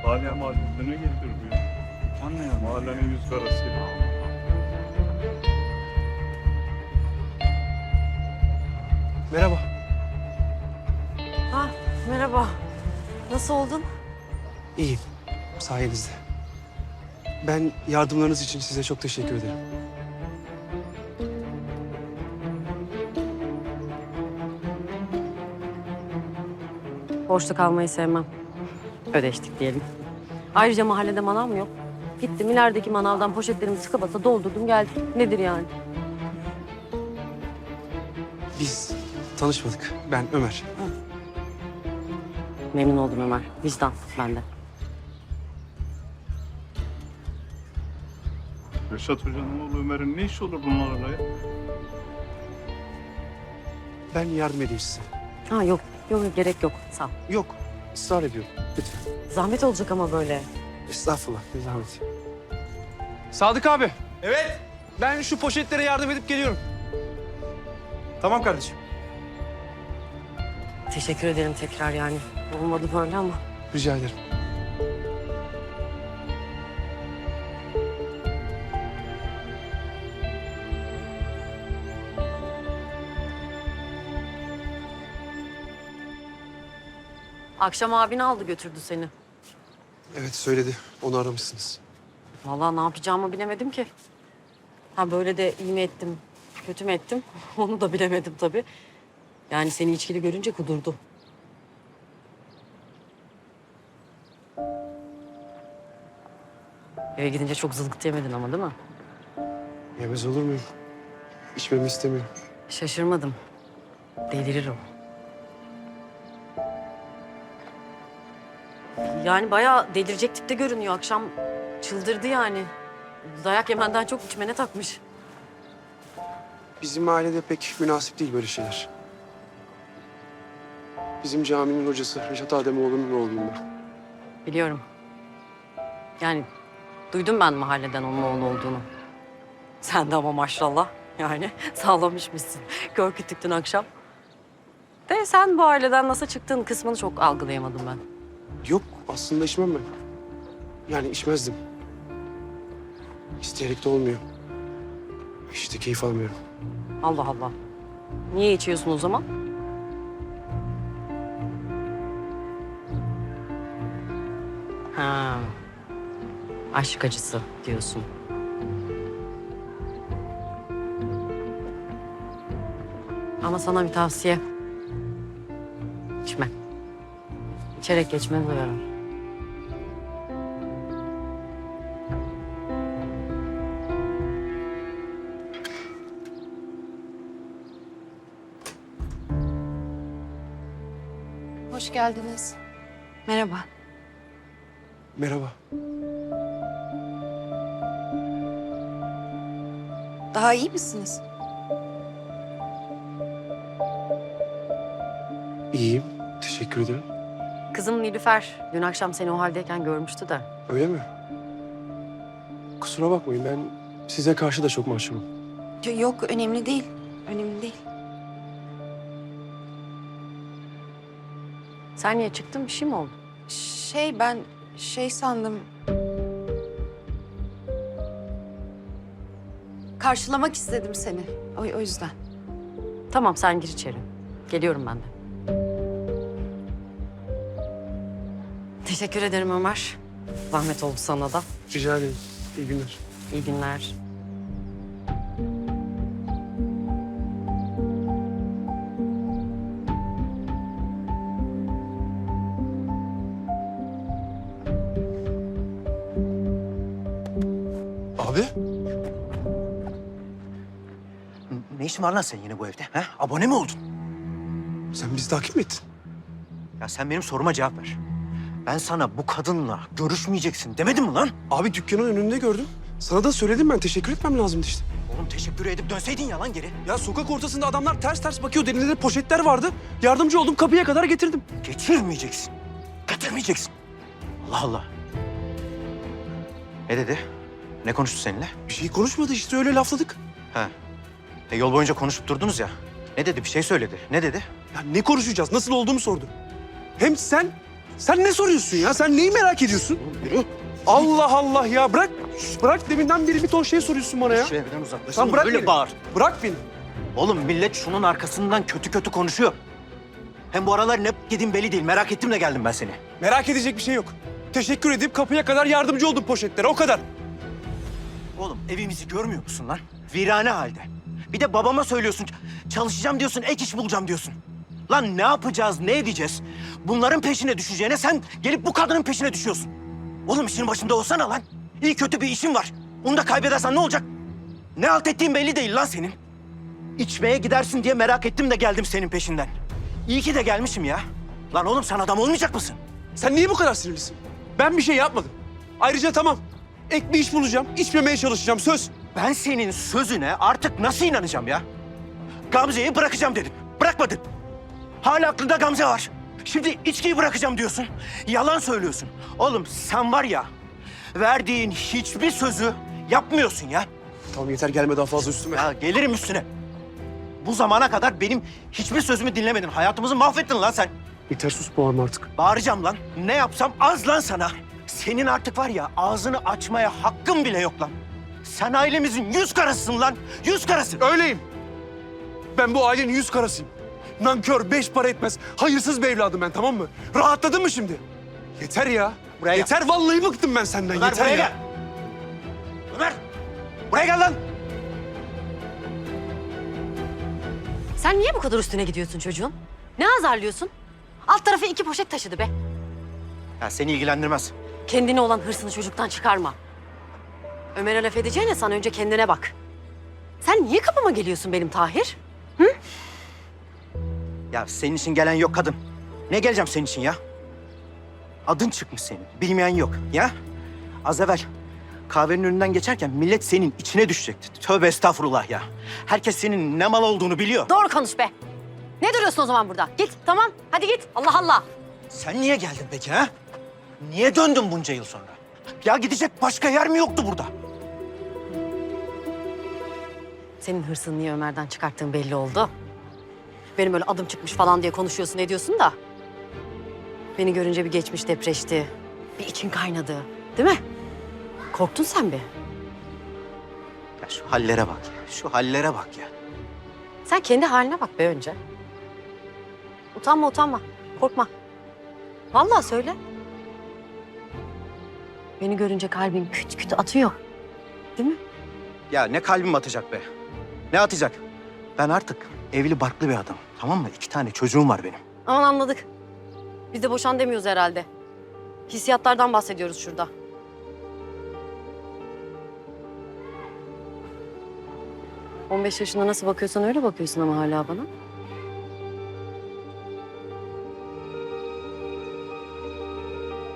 Hala mahallesine getirmiyor. Anlıyorum. Mahallenin yüz karası. Merhaba. Ha, merhaba. Nasıl oldun? İyiyim. Sayenizde. Ben yardımlarınız için size çok teşekkür ederim. Borçlu kalmayı sevmem. Ödeştik diyelim. Ayrıca mahallede manav mı yok? Gittim ilerideki manavdan poşetlerimi sıkı basa doldurdum geldim. Nedir yani? Biz tanışmadık. Ben Ömer. Memnun oldum Ömer. Vicdan bende. Reşat Hoca'nın oğlu Ömer'in ne işi olur bunlarla ya? Ben yardım edeyim size. Ha yok. Yok gerek yok. Sağ ol. Yok. ısrar ediyorum. Lütfen. Zahmet olacak ama böyle. Estağfurullah. Ne zahmet. Sadık abi. Evet. Ben şu poşetlere yardım edip geliyorum. Tamam kardeşim. Teşekkür ederim tekrar yani. Olmadı böyle ama. Rica ederim. Akşam abin aldı götürdü seni. Evet söyledi. Onu aramışsınız. Vallahi ne yapacağımı bilemedim ki. Ha böyle de iyi mi ettim, kötü mü ettim? Onu da bilemedim tabii. Yani seni içkili görünce kudurdu. Eve gidince çok zılgıt yemedin ama değil mi? Yemez olur muyum? İçmemi istemiyorum. Şaşırmadım. Delirir o. Yani bayağı delirecek tipte görünüyor. Akşam çıldırdı yani. Dayak yemenden çok içmene takmış. Bizim ailede pek münasip değil böyle şeyler. Bizim caminin hocası Reşat Ademoğlu'nun oğluyum ben. Biliyorum. Yani duydum ben mahalleden onun oğlu olduğunu. Sen de ama maşallah yani sağlamışmışsın. Kör kütüktün akşam. De sen bu aileden nasıl çıktığın kısmını çok algılayamadım ben. Yok aslında içmem ben. Yani içmezdim. İsteyerek de olmuyor. İşte keyif almıyorum. Allah Allah. Niye içiyorsun o zaman? Ha. Aşk acısı diyorsun. Ama sana bir tavsiye. İçme. İçerek geçmez o yara. Hoş geldiniz. Merhaba. Merhaba. Daha iyi misiniz? İyiyim. Teşekkür ederim. Kızım Nilüfer dün akşam seni o haldeyken görmüştü de. Öyle mi? Kusura bakmayın ben size karşı da çok mahcubum. Yok, önemli değil. Önemli değil. Sen niye çıktın? Bir şey mi oldu? Ben sandım. Karşılamak istedim seni. O yüzden. Tamam sen gir içeri. Geliyorum ben de. Teşekkür ederim Ömer. Zahmet oldu sana da. Rica ederim. İyi günler. İyi günler. Abi. Ne işin var lan senin yine bu evde? He? Abone mi oldun? Sen bizi takip mi ettin? Ya sen benim soruma cevap ver. Ben sana bu kadınla görüşmeyeceksin demedim mi lan? Abi dükkanın önünde gördüm. Sana da söyledim ben. Teşekkür etmem lazımdı işte. Oğlum teşekkür edip dönseydin ya lan geri. Ya sokak ortasında adamlar ters ters bakıyor. Elinde de poşetler vardı. Yardımcı oldum. Kapıya kadar getirdim. Getirmeyeceksin. Getirmeyeceksin. Allah Allah. Ne dedi? Ne konuştu seninle? Bir şey konuşmadı işte öyle lafladık. Ha. Yol boyunca konuşup durdunuz ya. Ne dedi? Bir şey söyledi. Ne dedi? Ya ne konuşacağız? Nasıl olduğumu sordu. Hem sen Sen ne soruyorsun ya? Sen neyi merak ediyorsun? Yürü. Allah Allah ya bırak. Bırak deminden beri bir ton şey soruyorsun bana ya. Şu evden uzaklaşın. Sen bırak Böyle beni. bağır. Bırak beni. Oğlum millet şunun arkasından kötü kötü konuşuyor. Hem bu aralar ne yediğin belli değil. Merak ettim de geldim ben seni. Merak edecek bir şey yok. Teşekkür edip kapıya kadar yardımcı oldum poşetlere o kadar. Oğlum evimizi görmüyor musun lan? Virane halde. Bir de babama söylüyorsun. Çalışacağım diyorsun, ek iş bulacağım diyorsun. Lan ne yapacağız, ne edeceğiz? Bunların peşine düşeceğine sen gelip bu kadının peşine düşüyorsun. Oğlum işin başında olsana lan. İyi kötü bir işin var. Onu da kaybedersen ne olacak? Ne halt ettiğin belli değil lan senin. İçmeye gidersin diye merak ettim de geldim senin peşinden. İyi ki de gelmişim ya. Lan oğlum sen adam olmayacak mısın? Sen niye bu kadar sinirlisin? Ben bir şey yapmadım. Ayrıca tamam. Ek bir iş bulacağım. İçmemeye çalışacağım söz. Ben senin sözüne artık nasıl inanacağım ya? Gamze'yi bırakacağım dedim. Bırakmadın. Hala aklında Gamze var. Şimdi içkiyi bırakacağım diyorsun. Yalan söylüyorsun. Oğlum sen var ya, verdiğin hiçbir sözü yapmıyorsun ya. Tamam yeter gelme daha fazla üstüme. Ya gelirim üstüne. Bu zamana kadar benim hiçbir sözümü dinlemedin. Hayatımızı mahvettin lan sen. Yeter sus bağırma artık. Bağıracağım lan. Ne yapsam az lan sana. Senin artık var ya ağzını açmaya hakkın bile yok lan. Sen ailemizin yüz karasısın lan. Yüz karası. Öyleyim. Ben bu ailenin yüz karasıyım. Nankör, beş para etmez. Hayırsız bir evladım ben tamam mı? Rahatladın mı şimdi? Yeter ya. Buraya gel. Yeter vallahi bıktım ben senden. Ömer yeter buraya ya. gel. Ömer. Buraya gel lan. Sen niye bu kadar üstüne gidiyorsun çocuğun? Ne azarlıyorsun? Alt tarafı 2 poşet taşıdı be. Ya seni ilgilendirmez. Kendine olan hırsını çocuktan çıkarma. Ömer'e laf edeceğine sen önce kendine bak. Sen niye kapıma geliyorsun benim Tahir? Ya senin için gelen yok kadın. Ne geleceğim senin için ya? Adın çıkmış senin. Bilmeyen yok ya. Az evvel kahvenin önünden geçerken millet senin içine düşecekti. Tövbe estağfurullah ya. Herkes senin ne mal olduğunu biliyor. Doğru konuş be. Ne duruyorsun o zaman burada? Git tamam hadi git. Allah Allah. Sen niye geldin peki ha? Niye döndün bunca yıl sonra? Ya gidecek başka yer mi yoktu burada? Senin hırsını niye Ömer'den çıkarttığın belli oldu. Benim öyle adım çıkmış falan diye konuşuyorsun ediyorsun da. Beni görünce bir geçmiş depreşti. Bir için kaynadı. Değil mi? Korktun sen bir. Ya şu hallere bak ya. Şu hallere bak ya. Sen kendi haline bak be önce. Utanma utanma. Korkma. Vallahi söyle. Beni görünce kalbin küt küt atıyor. Değil mi? Ya ne kalbim atacak be? Ne atacak? Ben artık evli barklı bir adamım. Tamam mı? 2 tane çocuğum var benim. Aman anladık. Biz de boşan demiyoruz herhalde. Hissiyatlardan bahsediyoruz şurada. ...15 yaşında nasıl bakıyorsan öyle bakıyorsun ama hala bana.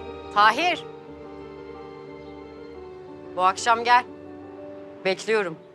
Tahir. Bu akşam gel. Bekliyorum.